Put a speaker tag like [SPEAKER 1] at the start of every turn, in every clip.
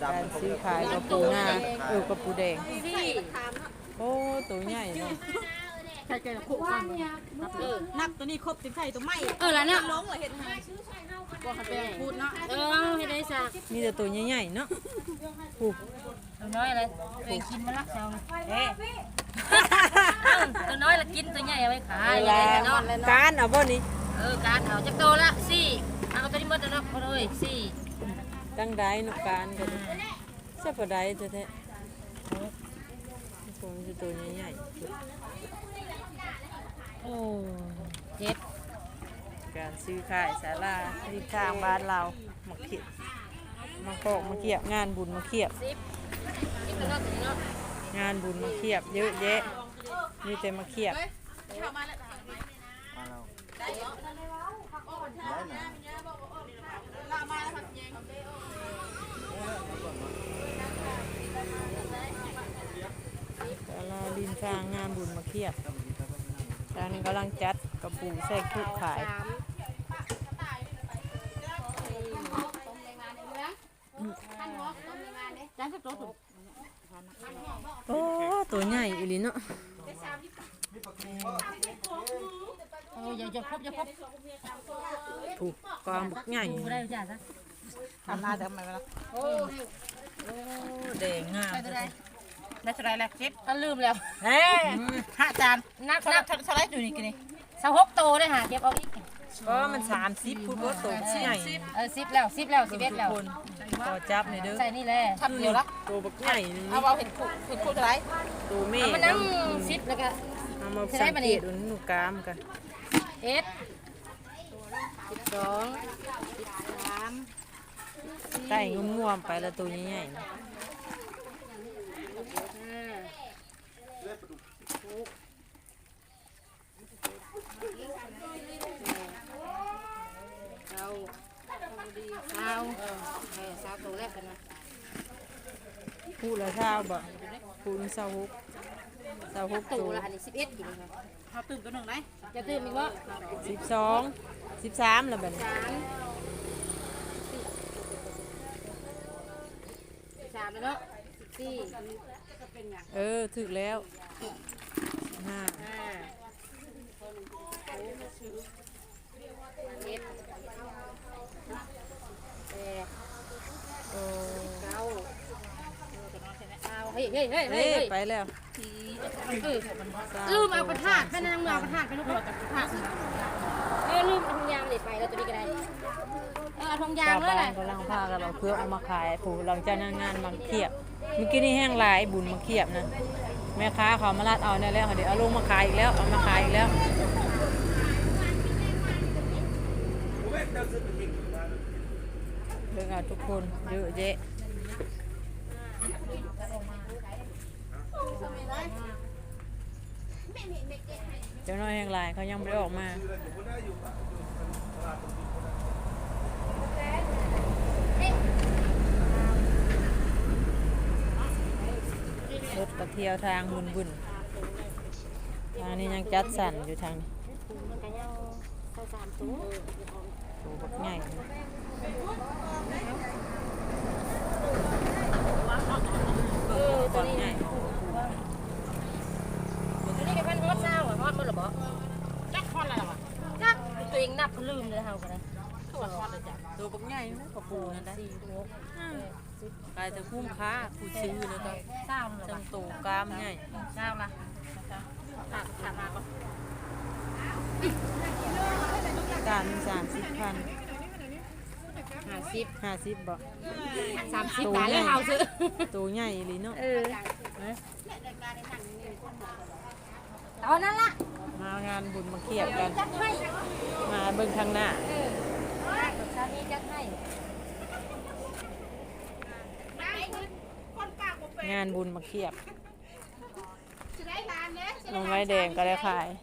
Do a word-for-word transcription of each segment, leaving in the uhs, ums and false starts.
[SPEAKER 1] การซื้อขายกับปูนาเออกับปูแดงโอ้ตัวใหญ่เนาะ
[SPEAKER 2] ใครเจอคู่กันนับตัวนี้ครบสิบไข่ตัวไม่
[SPEAKER 3] เออแล้วเนี่ย
[SPEAKER 2] ล้งเลยเห็นไหมบอกให้เป็นพูดเนาะ
[SPEAKER 3] เออให้ได้สัก
[SPEAKER 1] มีแต่ตัวใหญ่ๆเนาะปู
[SPEAKER 3] ตัวน้อยอะไรตัวกินมาละเจ้าเอ๊ะตัวน้อยละกินตัวใหญ่เอาไว้ขาย
[SPEAKER 1] แล้วการเอาบ่นี่
[SPEAKER 3] เออการเอาจักโตละสี่เอาตัวนี้หมดแล้วเนาะเลยสี่
[SPEAKER 1] ตั้งได้นกการกันใช่ปะได้แท้ๆผมจะตัวใหญ่
[SPEAKER 3] โอ้เจ็บ
[SPEAKER 1] การซื้อขายศาลาที่ทางบ้านเรามาเขียบมาโกมาเขียบงานบุญมาเขียบงานบุญมาเขียบเยอะแยะนี่แต่มาเขียบเราดินทางงานบุญมาเขียบทางนี้กำลังจัดกระปูใส่คุกขายโอ้ตัวใหญ่อีหลีเนาะ
[SPEAKER 3] โอ้ยอย่าครบอย่าครบ
[SPEAKER 1] ถูกกองบักใหญ่
[SPEAKER 3] ได้จ้ะซะ
[SPEAKER 2] ทำหน้าเดิมไหมล่ะ
[SPEAKER 3] โอ้
[SPEAKER 1] แดงงาม
[SPEAKER 2] ได้เท่าไรแล้วคิด
[SPEAKER 3] ก็ลืมแล้ว
[SPEAKER 2] เฮ้ห้าจานนับนับเท่าไรอยู่นี่กันนี่
[SPEAKER 3] สหกโตได้หาเก็บเอาอีก
[SPEAKER 1] ก็มันสามสิบพูดว่าโตใหญ่
[SPEAKER 3] เออสิบแล้วสิบแล้วสิบเอ็ดแล้ว
[SPEAKER 1] ต่อจับหน่อยเด้อ
[SPEAKER 3] ใส่นี่แหละ
[SPEAKER 2] ทำเดียวละ
[SPEAKER 1] ตัวบักใหญ่
[SPEAKER 2] เอาเอาเห็นคู่เห็นคู่เท่าไร
[SPEAKER 1] ตัวเมฆ
[SPEAKER 3] มันนั่งสิบแล้วก็
[SPEAKER 1] เอามาสังเกตดูหนูกามกัน
[SPEAKER 3] เอ็ดสิบสองสิบสาม
[SPEAKER 1] ไก่งุ้มงวมไปแล้วตัวใหญ่ๆ
[SPEAKER 3] เอาเอาเช้าตัวแรกกันนะ
[SPEAKER 1] พูดแล้วเช้าบ่พูดเช้าฮุกเช้าฮุก
[SPEAKER 3] ตัวละอันนี้สิบเอ็ดกี่ค่ะ
[SPEAKER 2] เขาตื่นตัวหนึ่งไหม
[SPEAKER 3] จะตื่นมีว่า
[SPEAKER 1] สิบสองสิบสามแล้วแบบ
[SPEAKER 3] สามสิบสามแล้วเนาะสิบสี่
[SPEAKER 1] เออถึงแล้วห้า
[SPEAKER 3] ห้าเจ็ดแปด
[SPEAKER 1] โอ้
[SPEAKER 3] เก้าเฮ้ยเฮ้ยเฮ้ยเฮ้ย
[SPEAKER 1] ไปแล้ว
[SPEAKER 3] ลืมเอากระถางไปนั่งเอากระถางไปลูกกระถางเออลืมเอาทองยางเลยไปแล้วตัวนี้ก็ได้เออทองยางเลยแหละ
[SPEAKER 1] กำลังพากันเราเพื่อเอามาขายผู้หลังจากนั้นงานมาเขียบเมื่อกี้นี่แห้งลายบุญมาเขียบนะแม่ค้าเขามาลาดเอาเนี่ยแล้วเดี๋ยวเอาลงมาขายอีกแล้วเอามาขายอีกแล้วเรื่องเอาทุกคนเยอะแยะเจ้าน้อยแห่งลายเขายังไม่ได้ออกมารถกระเที่ยวทางบุญบุญทางนี้ยังจัดสั่นอยู่ทางนี้โอ้บักใหญ่
[SPEAKER 3] เออตัวนี้ตัวนี้เป็นฮอตเช้าอ่ะฮอตเมื่อหรือเปล่า
[SPEAKER 2] จักฮอตอะไรวะ
[SPEAKER 3] จักตัวเองนับลืมเลยเฮากันเลย
[SPEAKER 2] ตัวฮอตเลยจ้ะ
[SPEAKER 1] ตัวบักใหญ่นะกระปูนั่นได้กลายจะคุ้มค่าผู้ซื้อแล้วก็
[SPEAKER 3] เช้าหรือเปล่า
[SPEAKER 1] ตัวกามใหญ่
[SPEAKER 3] เช้าละ
[SPEAKER 2] ถามถามมาก่อน
[SPEAKER 1] การสามสิบพัน
[SPEAKER 3] ห้าสิบ
[SPEAKER 1] ห้าสิบบ่
[SPEAKER 3] สามสิบได้เลยเฮาซื้อ
[SPEAKER 1] ตัวใหญ่เลยเนาะ
[SPEAKER 3] เออเอานั่นละ
[SPEAKER 1] มางานบุญมาเขียบกันมาเบิ่งทางหน้า
[SPEAKER 2] เ
[SPEAKER 1] งานบุญมาเขียบลงไม้แดงก็ได้ขาย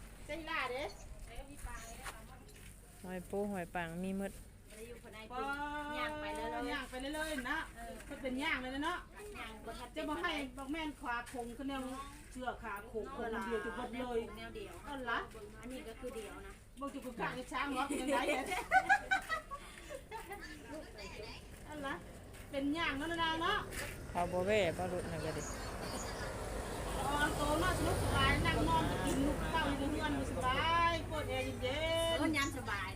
[SPEAKER 1] หอยปูหอยปังมีมด
[SPEAKER 2] ย่างไปเลยย่างไปเลยนะเขาเป็นย่างเลยเนาะจะบอกให้บอกแม่นขาคงก็แนวเชือกขาคงคนเดียวจุดเลยแนวเดียวอันละอันนี้ก็คือเดียวนะบอกจุดกลางช้างเนาะเป็นยังไงอันละเป็นย่างนั่นนะเนาะ
[SPEAKER 1] เขาบ่แว่บ่รุดนั่นก็ดิ
[SPEAKER 2] ตอนโตเนาะสนุกสบายนั่งนอนกินลูกเต้าอยู่ในเฮือนสบายปวดแอร์เย็น
[SPEAKER 3] คนยามสบายเด้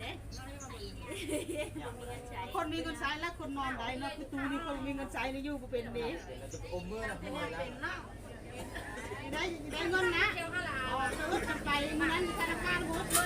[SPEAKER 2] คนมีเงินใช้และคนนอนได้เนาะคือตูนี่คนมีเงินใช้ในอยู่บ่เป็นเด้
[SPEAKER 4] อมมือนะพี่นะ
[SPEAKER 2] ได้ได้เงินนะอ๋อจะลดกันไปนั้นธนาคารโหด